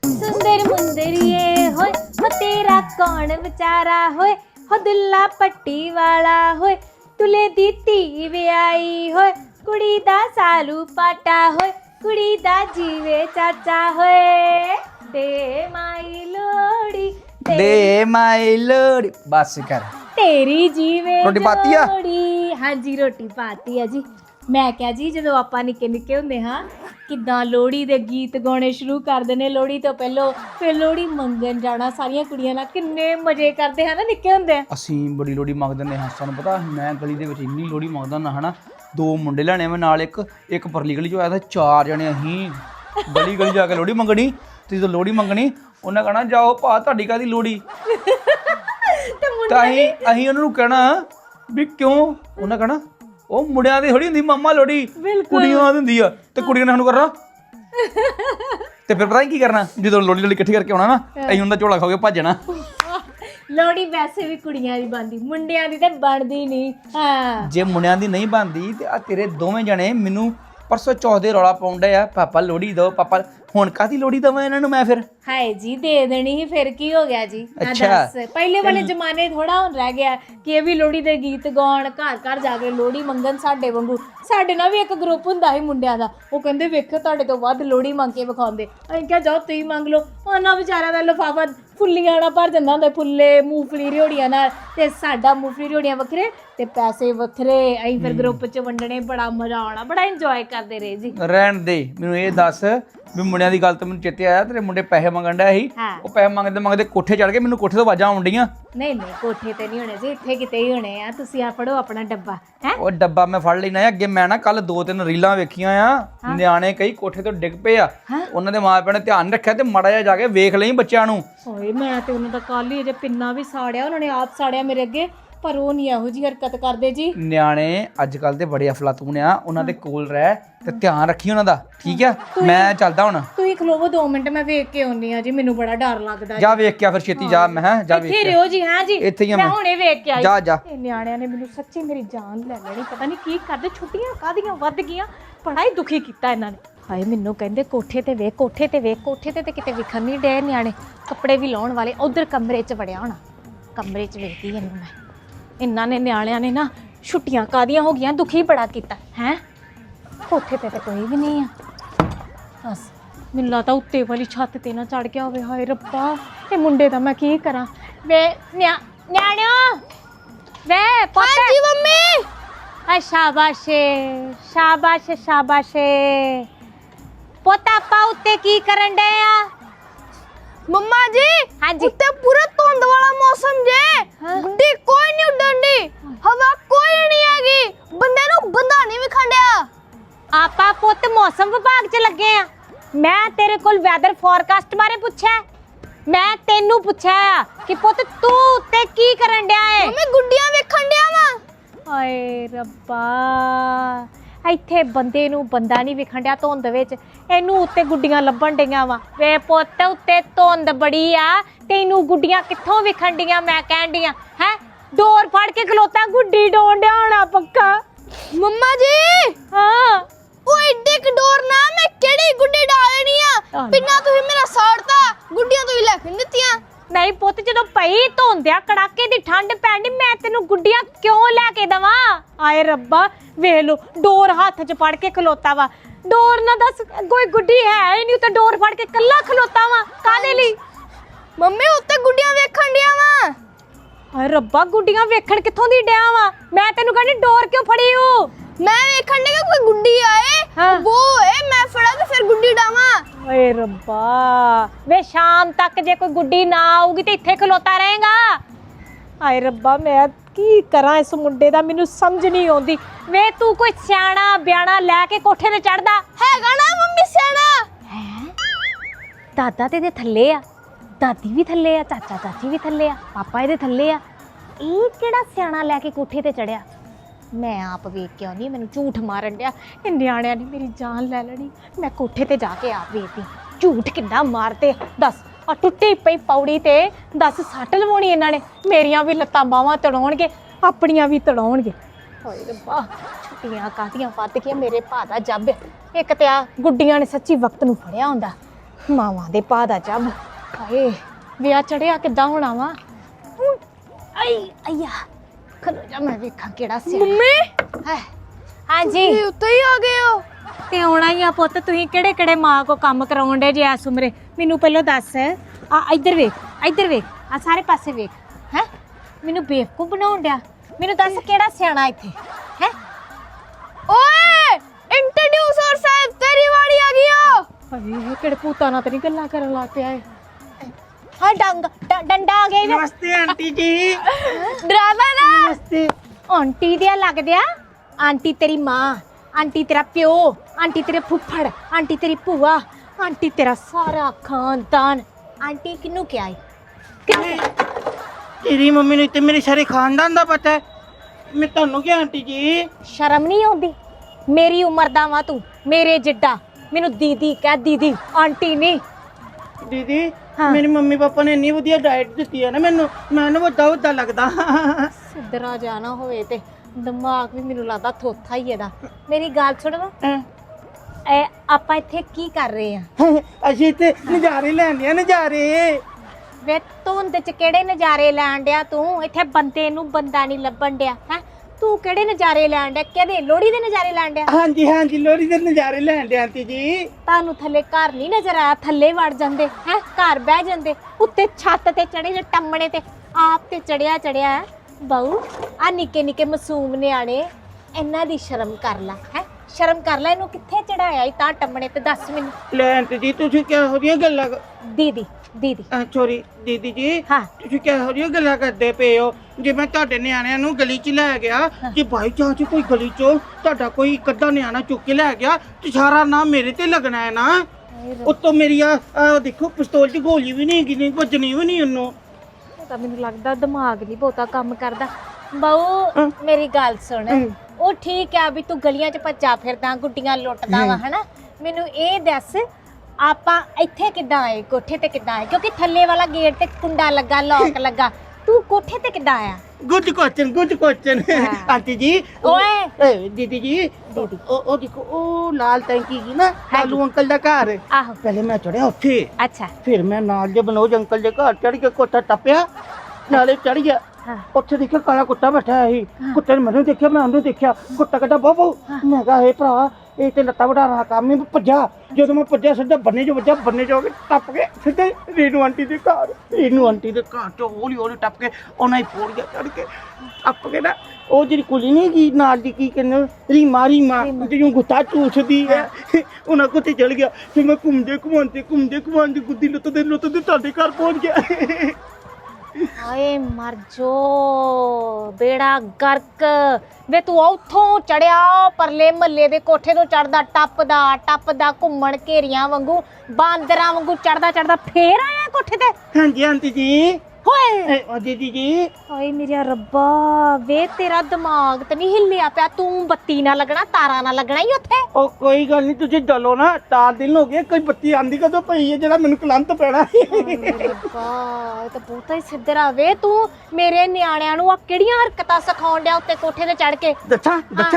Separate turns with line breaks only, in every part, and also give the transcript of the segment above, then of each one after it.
सुंदर मुंदरिए होए हो तेरा कौन बेचारा होए हो दुल्ला पट्टी वाला होए तुले दी धी विआई होए कुड़ी दा सालू पाटा होए कुड़ी दा जीवे चाचा होए दे माई लोड़ी
दे माई लोड़ी बस कर
तेरी जीवे
रोटी पाती आ?
जोड़ी। हाँ जी रोटी पाती है जी। मैं क्या जी जो ਆਪਾਂ ਨਿੱਕੇ ਨਿੱਕੇ ਹੁੰਦੇ ਹਾਂ ਕਿੱਦਾਂ ਲੋਹੜੀ ਦੇ ਗੀਤ ਗਾਉਣੇ ਸ਼ੁਰੂ ਕਰ ਦਿੰਦੇ ਲੋਹੜੀ ਤੋਂ ਪਹਿਲਾਂ ਫਿਰ ਲੋਹੜੀ ਮੰਗਣ ਜਾਣਾ ਸਾਰੀਆਂ ਕੁੜੀਆਂ ਨਾਲ ਕਿੰਨੇ ਮਜ਼ੇ ਕਰਦੇ ਹਨ ਨਿੱਕੇ ਹੁੰਦੇ ਆ।
ਅਸੀਂ ਬੜੀ ਲੋਹੜੀ ਮੰਗਦੇ ਨੇ ਹਾਂ ਸਾਨੂੰ ਪਤਾ ਮੈਂ ਗਲੀ ਦੇ ਵਿੱਚ ਇੰਨੀ ਲੋਹੜੀ ਮੰਗਦਾ ਹੁੰਦਾ ਹਨਾ 2 ਮੁੰਡੇ ਲੈਣੇ ਮੈਂ ਨਾਲ ਇੱਕ ਪਰਲੀ ਗਲੀ 'ਚ ਆਇਆ ਤਾਂ 4 ਜਣੇ ਅਸੀਂ ਗਲੀ ਗਲੀ ਜਾ ਕੇ ਲੋਹੜੀ ਮੰਗਣੀ ਤੇ ਜਦੋਂ ਲੋਹੜੀ ਮੰਗਣੀ ਉਹਨਾਂ ਕਹਿਣਾ ਜਾਓ ਭਾ ਤੁਹਾਡੀ ਕਾਹਦੀ ਲੋਹੜੀ ਤਾਂ ਅਸੀਂ ਉਹਨਾਂ ਨੂੰ ਕਹਿਣਾ ਵੀ ਕਿਉਂ ਉਹਨਾਂ ਕਹਿਣਾ ਉਹ ਮੁੰਡਿਆਂ ਦੀ ਥੋੜੀ ਹੁੰਦੀ ਮਾਮਾ ਲੋਹੜੀ ਕੁੜੀਆਂ ਦੀ ਹੁੰਦੀ ਆ ਤੇ ਕੁੜੀਆਂ ਨੇ ਸਾਨੂੰ ਕਰਨਾ ਤੇ ਫਿਰ ਪਤਾ ਕੀ ਕਰਨਾ ਜਦੋਂ ਲੋਹੜੀ ਲੋਹੜੀ ਇਕੱਠੀ ਕਰਕੇ ਆਉਣਾ ਨਾ ਅਸੀਂ ਉਹਨਾਂ ਦਾ ਝੋਲਾ ਖਾ ਕੇ ਭੱਜਣਾ।
ਲੋਹੜੀ ਵੈਸੇ ਵੀ ਕੁੜੀਆਂ ਦੀ ਬਣਦੀ ਮੁੰਡਿਆਂ ਦੀ ਤਾਂ ਬਣਦੀ ਨਹੀਂ। ਹਾਂ
ਜੇ ਮੁੰਡਿਆਂ ਦੀ ਨਹੀਂ ਬਣਦੀ ਤੇ ਆ ਤੇਰੇ ਦੋਵੇਂ ਜਣੇ ਮੈਨੂੰ ਪਰਸੋਂ ਚੌਥ ਦੇ ਰੌਲਾ ਪਾਉਂਦੇ ਆ ਪਾਪਾ ਲੋਹੜੀ ਦੋ ਪਾਪਾ ਹੁਣ ਕਾਹਦੀ ਲੋਹੜੀ ਦਵਾਂ ਇਹਨਾਂ ਨੂੰ ਮੈਂ ਫਿਰ
ਹਾਏ ਜੀ ਦੇ ਦੇਣੀ ਸੀ ਫਿਰ ਕੀ ਹੋ ਗਿਆ ਜੀ। ਦੱਸ ਪਹਿਲੇ ਵਾਲੇ ਜ਼ਮਾਨੇ ਥੋੜਾ ਹੁਣ ਰਹਿ ਗਿਆ ਕਿ ਇਹ ਵੀ ਲੋਹੜੀ ਦੇ ਗੀਤ ਗਾਉਣ ਘਰ ਘਰ ਜਾ ਕੇ ਲੋਹੜੀ ਮੰਗਣ ਸਾਡੇ ਵਾਂਗੂ। ਸਾਡੇ ਨਾਲ ਵੀ ਇੱਕ ਗਰੁੱਪ ਹੁੰਦਾ ਸੀ ਮੁੰਡਿਆਂ ਦਾ ਉਹ ਕਹਿੰਦੇ ਵੇਖੋ ਤੁਹਾਡੇ ਤੋਂ ਵੱਧ ਲੋਹੜੀ ਮੰਗ ਕੇ ਵਿਖਾਉਂਦੇ। ਅਸੀਂ ਕਿਹਾ ਜਾਓ ਤੁਸੀਂ ਮੰਗ ਲਓ। ਉਹਨਾਂ ਵਿਚਾਰਿਆਂ ਦਾ ਲਿਫਾਫਾ ਫੁੱਲੀਆਂ ਨਾਲ ਭਰ ਜਾਂਦਾ ਹੁੰਦਾ ਫੁੱਲੇ ਮੂੰਗਫਲੀ ਰਿਓੜੀਆਂ ਨਾਲ ਤੇ ਸਾਡਾ ਮੂੰਗਫਲੀ ਰਿਓੜੀਆਂ ਵੱਖਰੇ ਤੇ ਪੈਸੇ ਵੱਖਰੇ। ਅਸੀਂ ਫਿਰ ਗਰੁੱਪ 'ਚ ਵੰਡਣੇ ਬੜਾ ਮਜ਼ਾ ਆਉਣਾ ਬੜਾ ਇੰਜੋਏ ਕਰਦੇ ਰਹੇ ਜੀ।
ਰਹਿਣ ਦੇ ਮੈਨੂੰ ਇਹ ਦੱਸ ਵੀ ਮੁੰਡਿਆਂ ਦੀ ਗੱਲ ਤਾਂ ਮੈਨੂੰ ਚੇਤੇ ਆਇਆ ਤੇਰੇ ਮੁੰਡੇ ਪੈਸੇ ਮੰਗਣ ਡਿਆ ਸੀ ਉਹ ਪੈਸੇ ਮੰਗਦੇ ਮੰਗਦੇ ਕੋਠੇ ਚੜ ਕੇ ਮੈਨੂੰ ਕੋਠੇ ਤੋਂ ਆਵਾਜ਼ਾਂ ਆਉਂਦੀਆਂ।
ਨਹੀਂ ਨਹੀਂ ਕੋਠੇ ਤੇ ਨਹੀਂ ਹੋਣੇ ਜੀ ਇੱਥੇ ਕਿਤੇ ਹੀ ਹੋਣੇ ਆ। ਤੁਸੀਂ ਆ ਫੜੋ ਆਪਣਾ ਡੱਬਾ ਹੈ
ਉਹ ਡੱਬਾ ਮੈਂ ਫੜ ਲੈਣਾ ਅੱਗੇ ਮੈਂ ਨਾ ਕੱਲ 2-3 ਰੀਲਾਂ ਵੇਖੀਆਂ ਆ ਨਿਆਣੇ ਕਈ ਕੋਠੇ ਤੋਂ ਡਿੱਗ ਪਏ ਆ ਉਹਨਾਂ ਦੇ ਮਾਪਿਆਂ ਨੇ ਧਿਆਨ ਰੱਖਿਆ ਤੇ ਮਾੜਾ ਜਿਹਾ ਜਾ ਕੇ ਵੇਖ ਲਈ ਬੱਚਿਆਂ ਨੂੰ।
ਓਏ ਮੈਂ ਤੇ ਉਹਨਾਂ ਦਾ ਕੱਲ ਹੀ ਅਜੇ ਪਿੰਨਾ ਵੀ ਸਾੜਿਆ ਉਹਨਾਂ ਨੇ ਆਪ ਸਾੜਿਆ ਮੇਰੇ ਅੱਗੇ ਪਰ ਉਹ ਨਹੀਂ ਇਹੋ ਜਿਹੀ ਹਰਕਤ ਕਰਦੇ ਜੀ।
ਨਿਆਣੇ ਅੱਜ ਕੱਲ ਦੇ ਬੜੇ ਅਫਲਾਤੂਨ ਆ ਉਹਨਾਂ ਦੇ ਕੋਲ ਰਹਿ ਤੇ ਧਿਆਨ ਰੱਖੀ ਉਹਨਾਂ ਦਾ ਠੀਕ ਆ। ਮੈਂ ਚੱਲਦਾ ਹੁਣ
ਤੁਸੀਂ ਖਲੋਵੋ 2 ਮਿੰਟ ਮੈਂ ਵੇਖ ਕੇ ਆਉਣੀ ਆ ਜੀ ਮੈਨੂੰ ਬੜਾ ਡਰ ਲੱਗਦਾ।
ਜਾ ਵੇਖ ਕੇ ਆ ਫਿਰ ਛੇਤੀ ਜਾ ਮੈਂ ਜਾ ਵੇਖ
ਇੱਥੇ ਰਿਓ ਜੀ ਹਾਂ ਜੀ
ਇੱਥੇ ਹੀ
ਮੈਂ ਹੁਣੇ ਵੇਖ ਕੇ ਆਈ।
ਜਾ
ਇਹ ਨਿਆਣਿਆਂ ਨੇ ਮੈਨੂੰ ਸੱਚੀ ਮੇਰੀ ਜਾਨ ਲੈ ਲੈਣੀ ਪਤਾ ਨਹੀਂ ਕੀ ਕਰਦੇ ਛੁੱਟੀਆਂ ਕਾਹਦੀਆਂ ਵੱਧ ਗਈਆਂ ਬੜਾ ਹੀ ਦੁਖੀ ਕੀਤਾ ਇਹਨਾਂ ਨੇ। ਹਾਏ ਮੈਨੂੰ ਕਹਿੰਦੇ ਕੋਠੇ ਤੇ ਵੇਖ ਕੋਠੇ ਤੇ ਵੇਖ ਕੋਠੇ ਤੇ ਕਿਤੇ ਵਿਖਣ ਨਹੀਂ ਡੇ ਨਿਆਣੇ ਕੱਪੜੇ ਵੀ ਲਾਉਣ ਵਾਲੇ ਉਧਰ ਕਮਰੇ 'ਚ ਵੜਿਆ ਹੋਣਾ ਕਮਰੇ 'ਚ ਵੇਖਦੀ ਇਹਨੂੰ ਮੈਂ। ਇਹਨਾਂ ਨੇ ਨਿਆਣਿਆਂ ਨੇ ਨਾ ਛੁੱਟੀਆਂ ਕਾਹਦੀਆਂ ਹੋ ਗਈਆਂ ਦੁਖੀ ਬੜਾ ਕੀਤਾ ਹੈ। ਕੋਠੇ ਤੇ ਤਾਂ ਕੋਈ ਵੀ ਨਹੀਂ ਆ ਬਸ ਮੈਨੂੰ ਲੱਗਦਾ ਉੱਤੇ ਵਾਲੀ ਛੱਤ ਤੇ ਨਾ ਚੜ ਗਿਆ ਹੋਵੇ। ਹਾਏ ਰੱਬਾ ਇਹ ਮੁੰਡੇ ਦਾ ਮੈਂ ਕੀ ਕਰਾਂ ਵੇ ਨਿਆਣਿਓ ਵੇ ਪੁੱਤ ਜੀ ਮੰਮੀ ਆ ਸ਼ਾਬਾਸ਼ ਸ਼ਾਬਾਸ਼ ਸ਼ਾਬਾਸ਼ ਪੁੱਤ ਆਪਾਂ ਉੱਤੇ ਕੀ ਕਰਨ ਡਏ ਆ
मम्मा जी
हाँ जी
उत्ते पूरा धुंध वाला मौसम जे गुड्डी कोई नहीं उड़नी हवा कोई नहीं आगी बंदे नु बंदा नहीं विखंडिया।
आपा पुत मौसम विभाग च लगे आ मैं तेरे कोल वैदर फोरकास्ट बारे पूछा मैं तेनू पूछा कि पुत तू उत्ते की करन डया है।
मम्मी गुड्डियां विखंडिया वा
हाय रब्बा ਇੱਥੇ ਬੰਦੇ ਨੂੰ ਬੰਦਾ ਨਹੀਂ ਵਿਖਣ ਡਿਆ ਧੁੰਦ ਵਿੱਚ ਇਹਨੂੰ ਉੱਤੇ ਗੁੱਡੀਆਂ ਲੱਭਣ ਡੀਆਂ ਵਾ ਵੇ ਪੁੱਤ ਉੱਤੇ ਧੁੰਦ ਬੜੀ ਆ ਤੈਨੂੰ ਗੁੱਡੀਆਂ ਕਿੱਥੋਂ ਵਿਖਣ ਡੀਆਂ ਮੈਂ ਕਹਿਣ ਡੀਆਂ ਹੈ ਡੋਰ ਫੜ ਕੇ ਖਲੋਤਾ ਗੁੱਡੀ ਡੋਣ ਡਿਆ ਹੋਣਾ ਪੱਕਾ।
मम्मा जी
ਹਾਂ
ओ एड्डे क डोर ना मैं केड़ी गुड्डी डालनी आ पिन्ना तुसी मेरा साड़ता गुड्डियां तुसी लेके दित्तियां।
ਨਹੀਂ ਪੁੱਤ ਜਦੋਂ ਪਈ ਧੁੰਦਿਆ ਕੜਾਕੇ ਦੀ ਠੰਡ ਪੈਣੀ ਮੈਂ ਤੈਨੂੰ ਗੁੱਡੀਆਂ ਕਿਉਂ ਲੈ ਕੇ ਦਵਾਂ। ਆਏ ਰੱਬਾ ਵੇਖ ਲੋ ਡੋਰ ਹੱਥ 'ਚ ਫੜ ਕੇ ਖਲੋਤਾ ਵਾ ਡੋਰ ਨਾ ਦੱਸ ਕੋਈ ਗੁੱਡੀ ਹੈ ਹੀ ਨਹੀਂ ਤੇ ਡੋਰ ਫੜ ਕੇ ਕੱਲਾ ਖਲੋਤਾ ਵਾ ਕਾਹਦੇ ਲਈ।
मम्मी उत्ते गुड्डियां वेखंडिया वा
ਆਏ ਰੱਬਾ ਗੁੱਡੀਆਂ ਵੇਖਣ ਕਿੱਥੋਂ ਦੀ ਡਿਆ ਵਾ ਮੈਂ ਤੈਨੂੰ ਕਹਿੰਦੀ ਡੋਰ ਕਿਉਂ ਫੜੀ ਹੋ।
मैं वेखंडे का कोई गुड्डी आए
हाँ।
वो है मैं फड़ा के फिर गुड्डी डावा।
ਓਏ ਰੱਬਾ ਵੇ ਸ਼ਾਮ ਤੱਕ ਜੇ ਕੋਈ ਗੁੱਡੀ ਨਾ ਆਊਗੀ ਤੇ ਇੱਥੇ ਖਲੋਤਾ ਰਹੇਗਾ। ਆਏ ਰੱਬਾ ਮੈਂ ਕੀ ਕਰਾਂ ਇਸ ਮੁੰਡੇ ਦਾ ਮੈਨੂੰ ਸਮਝ ਨਹੀਂ ਆਉਂਦੀ। ਵੇ ਤੂੰ ਕੋਈ ਸਿਆਣਾ ਬਿਆਣਾ ਲੈ ਕੇ ਕੋਠੇ ਤੇ ਚੜਦਾ
हैगा ना मम्मी सियाना
ਹੈ। ਦਾਦਾ ਤੇ ਦੇ ਥੱਲੇ ਆ ਦਾਦੀ ਵੀ ਥੱਲੇ ਆ ਚਾਚਾ ਚਾਚੀ ਵੀ ਥੱਲੇ ਆ ਪਾਪਾ ਇਹਦੇ ਥੱਲੇ ਆ ਇਹ ਕਿਹੜਾ ਸਿਆਣਾ ਲੈ ਕੇ ਕੋਠੇ ਤੇ ਚੜਿਆ। ਮੈਂ ਆਪ ਵੇਖ ਕੇ ਆਉਂਦੀ ਮੈਨੂੰ ਝੂਠ ਮਾਰਨ ਡਿਆ ਇਹ ਨਿਆਣਿਆਂ ਨੇ ਮੇਰੀ ਜਾਨ ਲੈ ਲੈਣੀ। ਮੈਂ ਕੋਠੇ ਤੇ ਜਾ ਕੇ ਆਪ ਵੇਖਦੀ ਝੂਠ ਕਿੱਦਾਂ ਮਾਰਦੇ। ਦੱਸ ਆ ਟੁੱਟੀ ਪਈ ਪੌੜੀ ਤੇ ਦੱਸ ਸੱਟ ਲਵਾਉਣੀ ਇਹਨਾਂ ਨੇ ਮੇਰੀਆਂ ਵੀ ਲੱਤਾਂ ਬਾਹਾਂ ਤੜਾਉਣਗੇ ਆਪਣੀਆਂ ਵੀ ਤੜਾਉਣਗੇ। ਹਾਏ ਰੱਬਾ ਛੁੱਟੀਆਂ ਕਾਹਦੀਆਂ ਵੱਧ ਗਈਆਂ ਮੇਰੇ ਭਾ ਦਾ ਜੱਬ। ਇੱਕ ਤੇ ਆ ਗੁੱਡੀਆਂ ਨੇ ਸੱਚੀ ਵਕਤ ਨੂੰ ਫੜਿਆ ਹੁੰਦਾ ਮਾਵਾਂ ਦੇ ਪਾ ਦਾ ਜੱਬ ਹਾਏ ਵਿਆਹ ਚੜਿਆ ਕਿੱਦਾਂ ਹੋਣਾ ਵਾ ਆਈ ਆਇਆ ਖਲੋ ਜਾ ਮੈਂ ਵੇਖਾਂ ਕਿਹੜਾ ਸਿਆ
ਮੰਮੀ
ਹੈ ਹਾਂਜੀ
ਤੁਸੀਂ ਉੱਤੇ ਹੀ ਆ ਗਏ ਹੋ।
ਤੇ ਆਉਣਾ ਹੀ ਆ ਪੁੱਤ ਤੁਸੀਂ ਕਿਹੜੇ ਕਿਹੜੇ ਮਾਂ ਕੋ ਕੰਮ ਕਰਾਉਂਦੇ ਜੇ ਐਸ ਉਮਰੇ ਮੈਨੂੰ ਪਹਿਲਾਂ ਦੱਸ ਆ ਇੱਧਰ ਵੇਖ ਆ ਸਾਰੇ ਪਾਸੇ ਵੇਖ ਹੈ ਮੈਨੂੰ ਬੇਵਕੂਫ ਬਣਾਉਣ ਡਿਆ ਮੈਨੂੰ ਦੱਸ ਕਿਹੜਾ ਸਿਆਣਾ ਇੱਥੇ ਹੈ
ਓਏ ਇੰਟਰੋਡਿਊਸਰ ਸਾਹਿਬ ਤੇਰੀ ਵਾਰੀ ਆ ਗਈ ਓ।
ਹਾਏ ਇਹ ਕਿਹੜੇ ਭੂਤਾਂ ਨਾਲ ਤੇਰੀ ਗੱਲਾਂ ਕਰਨ ਲੱਗ ਪਿਆ ਏ ਹਾਂ ਡੰਡਾ ਆ ਗਿਆ ਵੇ
ਨਮਸਤੇ ਆਂਟੀ ਜੀ।
ਡਰਾਵਾ ਨਾ
ਨਮਸਤੇ।
ਆਂਟੀ ਦੇ ਲੱਗਦਿਆ ਆਂਟੀ ਤੇਰੀ ਮਾਂ ਆਂਟੀ ਤੇਰਾ ਪਿਓ ਆਂਟੀ ਤੇਰੇ ਫੁੱਫੜ ਆਂਟੀ ਤੇਰੀ ਭੂਆ ਆਂਟੀ ਤੇਰਾ ਸਾਰਾ ਖਾਨਦਾਨ ਆਂਟੀ ਕਿਹਨੂੰ ਕਿਹਾ ਏ
ਤੇਰੀ ਮੰਮੀ ਨੂੰ ਤੇ ਮੇਰੇ ਸਾਰੇ ਖਾਨਦਾਨ ਦਾ ਪਤਾ ਹੈ। ਮੈਂ ਤੁਹਾਨੂੰ ਕੀ ਆਂਟੀ ਜੀ?
ਸ਼ਰਮ ਨਹੀਂ ਆਉਂਦੀ ਮੇਰੀ ਉਮਰ ਦਾ ਵਾ ਤੂੰ ਮੇਰੇ ਜਿੱਡਾ ਮੈਨੂੰ ਦੀਦੀ ਕਹਿ ਦੀਦੀ ਆਂਟੀ ਨਹੀਂ
ਦੀਦੀ
ਹਾਂ।
ਮੇਰੀ ਮੰਮੀ ਪਾਪਾ ਨੇ ਇੰਨੀ ਵਧੀਆ ਡਾਈਟ ਦਿੱਤੀ ਹੈ ਨਾ ਮੈਨੂੰ ਵੱਡਾ ਲੱਗਦਾ।
ਸਿੱਧਰਾ ਜਾਣਾ ਹੋਵੇ ਤੇ ਦਿਮਾਗ ਵੀ ਮੈਨੂੰ ਲੱਗਦਾ ਥੋਥਾ ਹੀ ਇਹਦਾ ਮੇਰੀ ਗੱਲ ਸੁਣੋ ਆਪਾਂ ਇੱਥੇ ਕੀ ਕਰ ਰਹੇ ਆ
ਅਸੀਂ ਇੱਥੇ ਨਜ਼ਾਰੇ ਲੈਂਦੇ ਆ ਨਜ਼ਾਰੇ।
ਵੇ ਧੁੰਦ ਚ ਕਿਹੜੇ ਨਜ਼ਾਰੇ ਲੈਣ ਡਿਆ ਤੂੰ ਇੱਥੇ ਬੰਦੇ ਨੂੰ ਬੰਦਾ ਨਹੀਂ ਲੱਭਣ ਡਿਆ ਹੈ ਤੂੰ ਕਿਹੜੇ ਨਜ਼ਾਰੇ ਲੈਣ ਡਿਆ ਕਿਹਦੇ ਲੋਹੜੀ ਦੇ ਨਜ਼ਾਰੇ ਲੈਣ ਡਿਆ
ਹਾਂਜੀ ਲੋਹੜੀ ਦੇ ਨਜ਼ਾਰੇ ਲੈਂਦੇ ਆਂਟੀ ਜੀ।
ਤੁਹਾਨੂੰ ਥੱਲੇ ਘਰ ਨਹੀਂ ਨਜ਼ਰ ਆਇਆ ਥੱਲੇ ਵੜ ਜਾਂਦੇ ਹੈ ਘਰ ਬਹਿ ਜਾਂਦੇ ਉੱਤੇ ਛੱਤ ਤੇ ਚੜੇ ਜੇ ਟੰਮਣੇ ਤੇ ਆਪ ਤੇ ਚੜਿਆ ਬਹੂ ਆ ਨਿੱਕੇ ਨਿੱਕੇ ਮਾਸੂਮ ਨਿਆਣੇ ਇਹਨਾਂ ਦੀ ਸ਼ਰਮ ਕਰ ਲੈ ਹੈ ਸ਼ਰਮ ਕਰ ਲੈ ਇਹਨੂੰ ਕਿੱਥੇ ਚੜਾਇਆ ਈ ਤਾਂ ਟੰਮਣੇ ਤੇ ਦੱਸ ਮੈਨੂੰ
ਲੈ ਆਂਟੀ ਜੀ ਤੁਸੀਂ ਕਿਹੋ ਜਿਹੀਆਂ ਗੱਲਾਂ
ਦੀਦੀ
ਸੌਰੀ ਦੀਦੀ ਜੀ
ਹਾਂ
ਤੁਸੀਂ ਕਿਹੋ ਜਿਹੀਆਂ ਗੱਲਾਂ ਕਰਦੇ ਪਏ ਹੋ? ਜੇ ਮੈਂ ਤੁਹਾਡੇ ਨਿਆਣਿਆਂ ਨੂੰ ਗਲੀ 'ਚ ਲੈ ਗਿਆ ਜੇ ਬਾਈ ਚਾਂਸ ਕੋਈ ਗਲੀ 'ਚੋਂ ਤੁਹਾਡਾ ਕੋਈ ਕੱਦਾ ਨਿਆਣਾ ਚੁੱਕ ਕੇ ਲੈ ਗਿਆ ਤੇ ਸਾਰਾ ਨਾਮ ਮੇਰੇ ਤੇ ਲੱਗਣਾ ਹੈ ਨਾ। ਉੱਤੋਂ ਮੇਰੀ ਆ ਦੇਖੋ ਪਿਸਤੌਲ 'ਚ ਗੋਲੀ ਵੀ ਨਹੀਂ ਹੈਗੀ ਨਹੀਂ ਵੱਜਣੀ ਵੀ ਨਹੀਂ ਉਹਨੂੰ।
ਤਾਂ ਮੈਨੂੰ ਲੱਗਦਾ ਦਿਮਾਗ ਨਹੀਂ ਬਹੁਤਾ ਕੰਮ ਕਰਦਾ ਬਾਊ ਮੇਰੀ ਗੱਲ ਸੁਣ ਉਹ ਠੀਕ ਆ ਵੀ ਤੂੰ ਗਲੀਆਂ 'ਚ ਭੱਜਾ ਫਿਰਦਾ ਗੁੱਡੀਆਂ ਲੁੱਟਦਾ ਵਾ ਹਨਾ ਮੈਨੂੰ ਇਹ ਦੱਸ ਆਪਾਂ ਇੱਥੇ ਕਿੱਦਾਂ ਆਏ ਕੋਠੇ ਤੇ ਕਿੱਦਾਂ ਆਏ ਕਿਉਂਕਿ ਥੱਲੇ ਵਾਲਾ ਗੇਟ ਤੇ ਕੁੰਡਾ ਲੱਗਾ ਲੌਕ ਲੱਗਾ ਤੂੰ ਕੋਠੇ ਤੇ ਕਿੱਦਾਂ ਆਇਆ
ਗੁੱਡ ਕੁਐਸਚਨ ਆਂਟੀ ਜੀ
ਓਏ
ਦੀਦੀ ਜੀ ਉਹ ਦੇਖੋ ਉਹ ਲਾਲ ਟੈਂਕੀ ਕੀ ਨਾ ਲਾਲੂ ਅੰਕਲ ਦਾ ਘਰ
ਆਹੋ
ਪਹਿਲੇ ਮੈਂ ਚੜਿਆ ਉੱਥੇ
ਅੱਛਾ
ਫਿਰ ਮੈਂ ਨਾਲ ਜੇ ਬਨੋਜ ਅੰਕਲ ਦੇ ਘਰ ਚੜ ਕੇ ਕੋਠਾ ਟੱਪਿਆ ਨਾਲੇ ਚੜ ਗਿਆ ਉੱਥੇ ਦੇਖਿਆ ਕਾਲਾ ਕੁੱਤਾ ਬੈਠਾ ਸੀ ਕੁੱਤੇ ਨੇ ਮੈਨੂੰ ਦੇਖਿਆ ਮੈਂ ਉਹਨੂੰ ਦੇਖਿਆ ਕੁੱਤਾ ਕਹਿੰਦਾ ਬਹੁ ਮੈਂ ਕਿਹਾ ਇਹ ਭਰਾ ਇਹ ਤੇ ਲੱਤਾਂ ਵਢਾਉਣਾ ਕੰਮ ਹੀ ਭੱਜਾ ਜਦੋਂ ਮੈਂ ਭੱਜਿਆ ਸਿੱਧਾ ਬੰਨੇ 'ਚ ਵੱਜਾ ਬੰਨੇ 'ਚ ਹੋ ਕੇ ਟੱਪ ਕੇ ਸਿੱਧੇ ਰੀਨੂ ਆਂਟੀ ਦੇ ਘਰ ਚੋਂ ਹੌਲੀ ਟੱਪ ਕੇ ਉਹਨਾਂ ਹੀ ਪੋੜ ਗਿਆ ਚੜ ਕੇ ਟੱਪ ਕੇ ਨਾ ਉਹ ਜਿਹੜੀ ਕੁੜੀ ਨਹੀਂ ਕੀ ਨਾਲ ਦੀ ਕੀ ਕਹਿੰਦੇ ਰੀਮਾ ਜਿਹਨੂੰ ਗੁੱਤਾ ਚੂਸਦੀ ਹੈ ਉਹਨਾਂ ਕੋਤੇ ਚੜ ਗਿਆ ਫਿਰ ਮੈਂ ਘੁੰਮਦੇ ਗੁੱਦੀ ਲੁੱਤ ਦੇ ਤੁਹਾਡੇ ਘਰ ਪਹੁੰਚ ਗਿਆ।
ਹਾਏ ਮਰ ਜੋ ਬੇੜਾ ਗਰਕ ਵੇ ਤੂੰ ਉੱਥੋਂ ਚੜਿਆ ਪਰਲੇ ਮਹੱਲੇ ਦੇ ਕੋਠੇ ਤੋਂ ਚੜਦਾ ਟੱਪਦਾ ਘੁੰਮਣ ਘੇਰੀਆਂ ਵਾਂਗੂ ਬਾਂਦਰਾਂ ਵਾਂਗੂ ਚੜਦਾ ਫੇਰ ਆਇਆ ਕੋਠੇ ਤੇ।
ਹਾਂਜੀ ਆਂਟੀ ਜੀ
ਹੋਏ
ਦੀਦੀ ਜੀ
ਹਾਏ ਮੇਰਾ ਰੱਬਾ ਵੇ ਤੇਰਾ ਦਿਮਾਗ ਤੇ ਨਹੀਂ ਹਿੱਲਿਆ ਪਿਆ ਤੂੰ ਬੱਤੀ ਨਾ ਲੱਗਣਾ ਤਾਰਾਂ ਨਾ ਲੱਗਣਾ ਹੀ ਉੱਥੇ।
ਉਹ ਕੋਈ ਗੱਲ ਨਹੀਂ ਤੁਸੀਂ ਡਲੋ ਨਾ 4 ਦਿਨ ਹੋ ਗਏ ਕੋਈ ਬੱਤੀ ਆਂਦੀ ਕਦੋਂ ਪਈ ਹੈ ਜਿਹੜਾ ਮੈਨੂੰ ਕਲੰਤ ਪੈਣਾ।
ਰੱਬਾ ਇਹ ਤਾਂ ਬਹੁਤਾ ਹੀ ਸਿੱਧਰਾ ਵੇ ਤੂੰ ਮੇਰੇ ਨਿਆਣਿਆਂ ਨੂੰ ਆ ਕਿਹੜੀਆਂ ਹਰਕਤਾਂ ਸਿਖਾਉਣ ਡਿਆ ਉੱਤੇ ਕੋਠੇ ਤੇ ਚੜ ਕੇ।
ਦੱਸਾਂ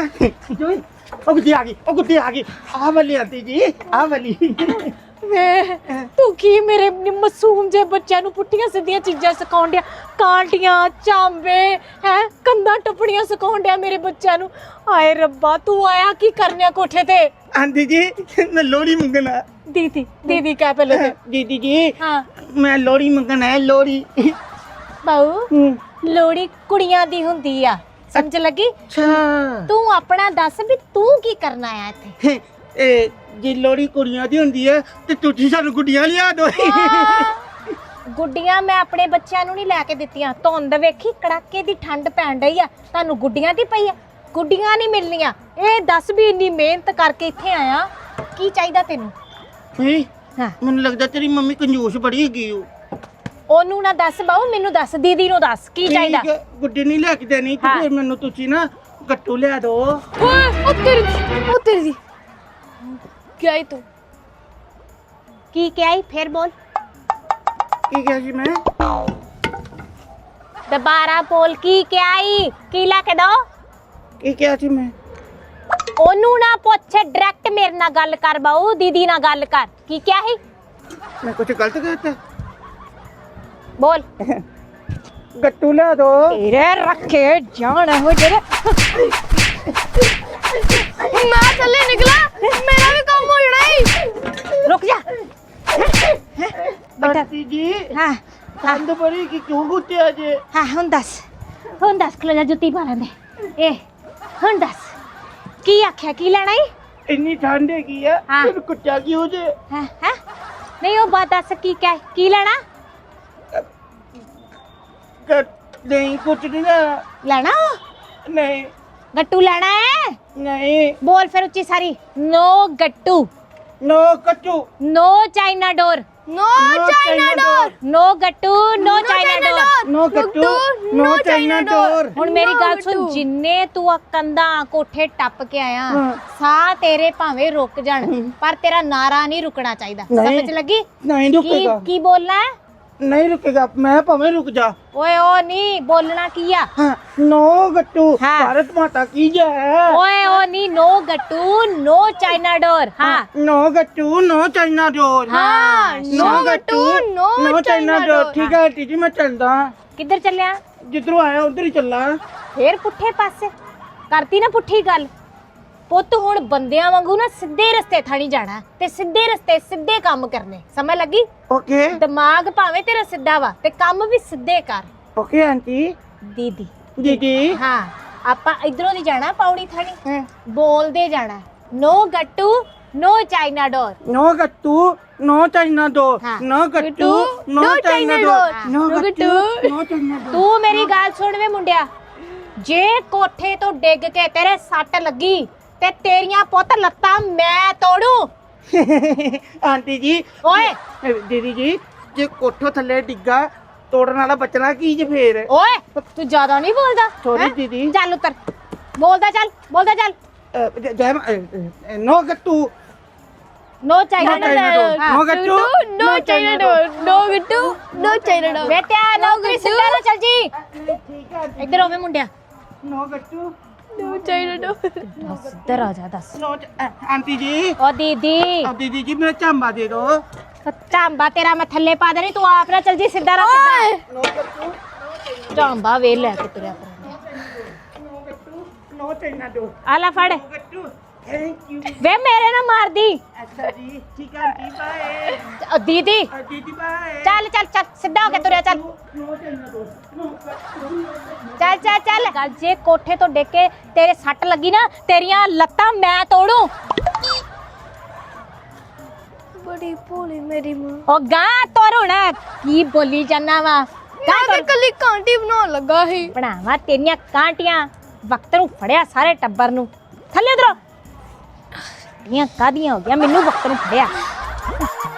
ਉਹ ਗੁੱਡੀ ਆ ਗਈ ਆਹ ਵਾਲੀ ਆਂਟੀ ਜੀ ਆਹ ਵਾਲੀ।
ਵੇ ਤੂੰ ਕੀ ਮੇਰੇ ਮਾਸੂਮ ਜੇ ਬੱਚਿਆਂ ਨੂੰ ਪੁੱਠੀਆਂ ਸਿੱਧੀਆਂ ਚੀਜ਼ਾਂ ਸਿਖਾਉਣ ਡਿਆ ਕਾਂਟੀਆਂ ਚਾਂਬੇ ਹੈ ਕੰਧਾਂ ਟੱਪਣੀਆਂ ਸਿਖਾਉਣ ਡਿਆ ਮੇਰੇ ਬੱਚਿਆਂ ਨੂੰ। ਹਾਏ ਰੱਬਾ ਤੂੰ ਆਇਆ ਕੀ ਕਰਨਿਆ ਕੋਠੇ ਤੇ?
ਆਂਟੀ ਜੀ ਮੈਂ ਲੋਹੜੀ ਮੰਗਣਾ।
ਦੀਦੀ ਕਹਿ ਪਹਿਲੇ ਤੇ।
ਦੀਦੀ ਜੀ
ਹਾਂ
ਮੈਂ ਲੋਹੜੀ ਮੰਗਣਾ ਹੈ ਲੋਹੜੀ।
ਬਾਊ ਲੋਹੜੀ ਕੁੜੀਆਂ ਦੀ ਹੁੰਦੀ ਆ ਸਮਝ ਲੱਗੀ?
ਅੱਛਾ
ਤੂੰ ਆਪਣਾ ਦੱਸ ਵੀ ਤੂੰ ਕੀ ਕਰਨਾ ਆ ਇੱਥੇ?
ਇਹ ਜੇ ਲੋਹੜੀ ਕੁੜੀਆਂ ਦੀ ਹੁੰਦੀ ਹੈ ਤੇ ਤੁਸੀਂ ਸਾਨੂੰ ਗੁੱਡੀਆਂ ਲਿਆ ਦਿਓ।
ਗੁੱਡੀਆਂ ਮੈਂ ਆਪਣੇ ਬੱਚਿਆਂ ਨੂੰ ਨਹੀਂ ਲੈ ਕੇ ਦਿੱਤੀਆਂ ਧੁੰਦ ਵੇਖੀ ਕੜਾਕੇ ਦੀ ਠੰਡ ਪੈਣ ਡਈ ਆ ਤੁਹਾਨੂੰ ਗੁੱਡੀਆਂ ਦੀ ਪਈ ਆ ਗੁੱਡੀਆਂ ਨਹੀਂ ਮਿਲਣੀਆਂ। ਇਹ ਦੱਸ ਵੀ ਇੰਨੀ ਮਿਹਨਤ ਕਰਕੇ ਇੱਥੇ ਆਇਆ ਕੀ ਚਾਹੀਦਾ ਤੈਨੂੰ?
ਹਾਂ ਮੈਨੂੰ ਲੱਗਦਾ ਤੇਰੀ ਮੰਮੀ ਕੰਜੂਸ ਬੜੀ ਹੈਗੀ
ਉਹਨੂੰ ਨਾ ਦੱਸ ਬਾਊ ਮੈਨੂੰ ਦੱਸ ਦੀਦੀ ਨੂੰ ਦੱਸ ਕੀ ਚਾਹੀਦਾ?
ਗੁੱਡੀ ਨਹੀਂ ਲੈ ਕੇ ਦੇਣੀ ਤੇ ਫਿਰ ਮੈਨੂੰ ਤੁਸੀਂ ਨਾ ਗੱਟੂ ਲਿਆ ਦਿਓ।
ਓਏ ਉਹ ਤੇਰੀ ਕੀ ਆਈ ਤੂੰ
ਕੀ ਕਿਹਾ ਫੇਰ ਬੋਲ
ਕੀ ਕਿਹਾ ਸੀ ਮੈਂ?
ਦੁਬਾਰਾ ਬੋਲ ਕੀ ਕਿਹਾ ਕੀ ਲੈ ਕੇ ਦੋ?
ਕੀ ਕਿਹਾ ਸੀ ਮੈਂ?
ਉਹਨੂੰ ਨਾ ਪੁੱਛ ਡਾਇਰੈਕਟ ਮੇਰੇ ਨਾਲ ਗੱਲ ਕਰ ਬਾਊ ਦੀਦੀ ਨਾਲ ਗੱਲ ਕਰ ਕੀ ਕਿਹਾ ਸੀ?
मैं कुछ गलत कहता?
बोल
गट्टू ला दो।
तेरे रखे जान हो जेरे
मैं थल्ले निकला मेरा भी काम हो जाना है।
रुक जा बेटा
आंटी जी
हाँ
ठंड बड़ी कि क्यों कुत्ते आज?
हाँ हुन दस खलो जा जुत्ती पा लेंदे ए हुन दस की आख्या की लेना ही
इतनी ठंड है की है
हाँ।
फिर कुत्ता की हो जाए?
हैं हैं नहीं वो बात दस की क्या की लेना
नहीं कुछ नहीं लेना।
लेना हो
नहीं
गट्टू लेना है
नहीं
बोल फिर उच्ची सारी नो गट्टू
नो कट्टू
नो चाइना डोर
नो चाइना डोर
नो गट्टू नो चाइना डोर
नो कट्टू नो चाइना डोर।
ਹੁਣ ਮੇਰੀ
No
ਗੱਲ ਸੁਣ
ਗੱਟੂ।
ਜਿੰਨੇ ਤੂੰ ਆ ਕੰਧਾਂ ਕੋਠੇ ਟੱਪ ਕੇ ਆਇਆ
ਹਾਂ।
ਸਾਹ ਤੇਰੇ ਭਾਵੇਂ ਰੁਕ ਜਾਣ ਪਰ ਤੇਰਾ ਨਾਰਾ ਨਹੀਂ ਰੁਕਣਾ ਚਾਹੀਦਾ
ਨਹੀਂ।
ਸਮਝ ਲੱਗੀ
नहीं
ਕੀ
रुकेगा
ਕੀ ਬੋਲਣਾ ਹੈ
नहीं रुकेगा मैं भावे रुक जा।
ਓਏ ਓ ਨਹੀਂ ਬੋਲਣਾ ਕੀ ਆ
हाँ, नो गट्टू
हाँ।
भारत माता की जय।
ਓਏ ਓ ਨਹੀਂ ਨੋ ਗੱਟੂ ਨੋ ਚਾਈਨਾ ਡੋਰ ਹਾਂ
नो गट्टू नो चाइना डोर।
हाँ,
नो गट्टू
नो
नो चाइना डोर।
डोर।
ठीक है आंटी जी मैं चलदा
ਕਿੱਧਰ ਚੱਲਿਆ
जिधरों आया उधर ही चलना।
ਫੇਰ ਪੁੱਠੇ ਪਾਸੇ ਕਰਤੀ ਨਾ ਪੁੱਠੀ ਗੱਲ ਪੁੱਤ ਹੁਣ ਬੰਦਿਆਂ ਵਾਂਗੂ ਨਾ ਸਿੱਧੇ ਰਸਤੇ ਥਾਣੀ ਜਾਣਾ ਤੇ ਸਿੱਧੇ ਰਸਤੇ ਸਿੱਧੇ ਕੰਮ ਕਰਨੇ ਸਮਝ ਲੱਗੀ
ओके
ਦਿਮਾਗ ਭਾਵੇਂ ਤੇਰਾ ਸਿੱਧਾ ਵਾ ਤੇ ਕੰਮ ਵੀ ਸਿੱਧੇ ਕਰ
ओके आंटी
ਦੀਦੀ
दीदी।
ਹਾਂ ਆਪਾਂ ਇਧਰੋਂ ਦੀ ਜਾਣਾ ਪੌੜੀ ਥਾਣੀ ਬੋਲਦੇ ਜਾਣਾ ਨੋ ਗੱਟੂ ਨੋ ਚਾਈਨਾ ਡੋਰ
नो गट्टू नो चाइना डोर।
हाँ।
नो गट्टू नो चाइना डोर। नो गट्टू नो चाइना डोर।
ਤੂੰ ਮੇਰੀ ਗੱਲ ਸੁਣ ਵੇ ਮੁੰਡਿਆ ਜੇ ਕੋਠੇ ਤੋਂ ਡਿੱਗ ਕੇ ਤੇਰੇ ਸੱਟ ਲੱਗੀ ਤੇ ਤੇਰੀਆਂ ਪੁੱਤ ਲੱਤਾਂ ਮੈਂ ਤੋੜੂ
आंटी जी
ਓਏ
दीदी जी जे कोठो थल्ले डिग्गा तोड़न वाला बचना की जे फिर?
ਓਏ ਤੂੰ ਜ਼ਿਆਦਾ ਨਹੀਂ ਬੋਲਦਾ
Sorry,
ਹੈਂ?
ਦੀਦੀ।
ਚੱਲ ਉੱਤਰ ਬੋਲਦਾ ਚੱਲ
नो गट्टू
no China
No China door.
ਹਾਂ।
No गट्टू
नो चाइना डोर नो गट्टू नो चाइना डोर।
ਬੇਟਿਆ ਨੌਕਰੀ ਸਿੱਧਾ ਨਾ ਚੱਲ ਜੀ
ठीक है
ਇੱਧਰ ਹੋਵੇ ਮੁੰਡਿਆ
नो गट्टू
नो चाइना डोर।
ਦੱਸ ਇੱਧਰ ਆ ਜਾ ਦੱਸ
नो आंटी जी
ਓ ਦੀਦੀ
अब दीदी जी मेरा चांबा दे दो।
ਝਾਂਬਾ ਤੇਰਾ ਮੈਂ ਥੱਲੇ ਪਾ ਦੇਣੀ ਤੂੰ ਆਪ ਨਾ ਚੱਲ ਜੀ ਸਿੱਧਾ ਰਾ ਸਿੱਧਾ
नो गट्टू
ਝਾਂਬਾ ਵੇ ਲੈ ਕੇ ਤੁਰਿਆ ਫਿਰਦਾ
नो गट्टू नो चाइना डोर।
ਆ ਲੈ ਫੜ
नो गट्टू थैंक यू।
ਵੇ ਮੇਰੇ ਨਾ ਮਾਰਦੀ
अच्छा जी ठीक है आंटी बाय।
ਦੀਦੀ
दीदी बाय।
ਚੱਲ ਚੱਲ ਚੱਲ ਸਿੱਧਾ ਹੋ ਕੇ ਤੁਰਿਆ ਚੱਲ
नो चाइना डोर। नो गट्टू
ਚੱਲ ਚੱਲ ਚੱਲ ਗੱਲ ਜੇ ਕੋਠੇ ਤੋਂ ਡਿੱਗ ਕੇ ਤੇਰੇ ਸੱਟ ਲੱਗੀ ਨਾ ਤੇਰੀਆਂ ਲੱਤਾਂ ਮੈਂ ਤੋੜੂ
बड़ी भोली मेरी मां।
ਉਹ ਗਾਂ ਤੁਰ ਹੁਣ ਕੀ ਬੋਲੀ ਜਾਨਾ ਵਾ ਗਾਂ
मैं
ਤੁਰ
कली कांटी बनाने लगा ही।
ਬਣਾਵਾ ਤੇਰੀਆਂ ਕਾਂਟੀਆਂ ਵਕਤ ਨੂੰ ਫੜਿਆ ਸਾਰੇ ਟੱਬਰ ਨੂੰ ਥੱਲੇ ਉਤਰੋ ਇਹ ਕਾਦੀਆਂ ਹੋ ਗਿਆ ਮੈਨੂੰ ਵਕਤ ਨੂੰ ਫੜਿਆ